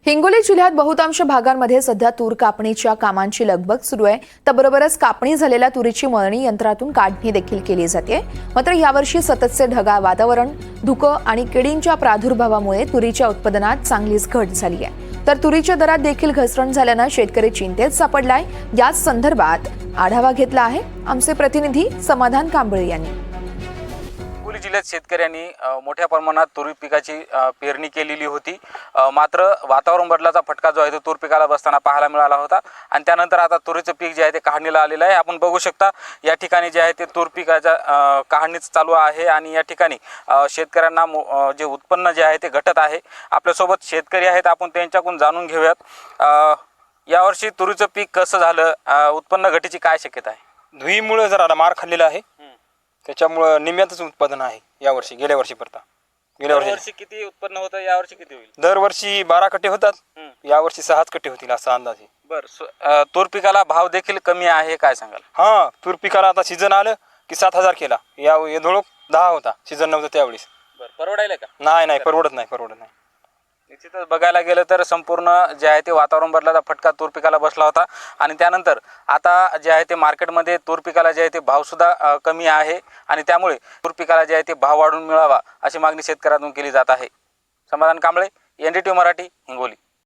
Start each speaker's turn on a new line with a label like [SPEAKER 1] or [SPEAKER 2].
[SPEAKER 1] हिंगोली जिल्ह्यात बहुतांश भागांमध्ये सध्या तूर कापणीच्या कामांची लगबग सुरू आहे. त्याबरोबरच कापणी झालेल्या तुरीची मळणी यंत्रातून काढणी देखील केली जाते. मात्र यावर्षी सततचे ढगाळ वातावरण, धुकं आणि किडींच्या प्रादुर्भावामुळे तुरीच्या उत्पादनात चांगलीच घट झाली आहे. तर तुरीच्या दरात देखील घसरण झाल्यानं शेतकरी चिंतेत सापडलाय. याच संदर्भात आढावा घेतला आहे आमचे प्रतिनिधी समाधान कांबळे यांनी.
[SPEAKER 2] हिंगोली जिल्ह्यात शेतकऱ्यांनी मोठ्या प्रमाणात तूर पिकाची पेरणी केलेली होती. मात्र वातावरण बदलाचा फटका जो आहे तो तूर पिकाला बसताना पाहायला मिळाला होता आणि त्यानंतर आता तुरीचं पीक जे आहे ते काढणीला आलेलं आहे. आपण बघू शकता या ठिकाणी जे आहे ते तूर पिकाच्या काढणीच चालू आहे आणि या ठिकाणी शेतकऱ्यांना जे उत्पन्न जे आहे ते घटत आहे. आपल्यासोबत शेतकरी आहेत, आपण त्यांच्याकडून जाणून घेऊयात यावर्षी तुरीचं पीक कसं झालं, उत्पन्न घटीची काय शक्यता आहे.
[SPEAKER 3] धुईमुळे जरा मार खाल्लेला आहे, त्याच्यामुळं निम्म्यातच उत्पादन आहे यावर्षी. गेल्या वर्षी
[SPEAKER 2] किती उत्पन्न होतं, यावर्षी किती होईल?
[SPEAKER 3] दरवर्षी 12 कट्टे होतात, यावर्षी 6 कट्टे होतील असा अंदाज आहे.
[SPEAKER 2] बरं, तूर पिकाला भाव देखील कमी आहे, काय सांगाल?
[SPEAKER 3] हा, तूर पिकाला आता सीझन आलं की 7,000 केला. या धोळक 10 होता, सीझन नव्हतं त्यावेळेस.
[SPEAKER 2] बरं, परवडायला का?
[SPEAKER 3] नाही, परवडत नाही.
[SPEAKER 2] निश्चितच बघायला गेलं तर संपूर्ण जे आहे ते वातावरण बदलाचा फटका तूर पिकाला बसला होता आणि त्यानंतर आता जे आहे ते मार्केटमध्ये तूर पिकाला जे आहे ते भावसुद्धा कमी आहे आणि त्यामुळे तूर पिकाला जे आहे ते भाव वाढून मिळावा अशी मागणी शेतकऱ्यांतून केली जात आहे. समाधान कांबळे, NDTV मराठी, हिंगोली.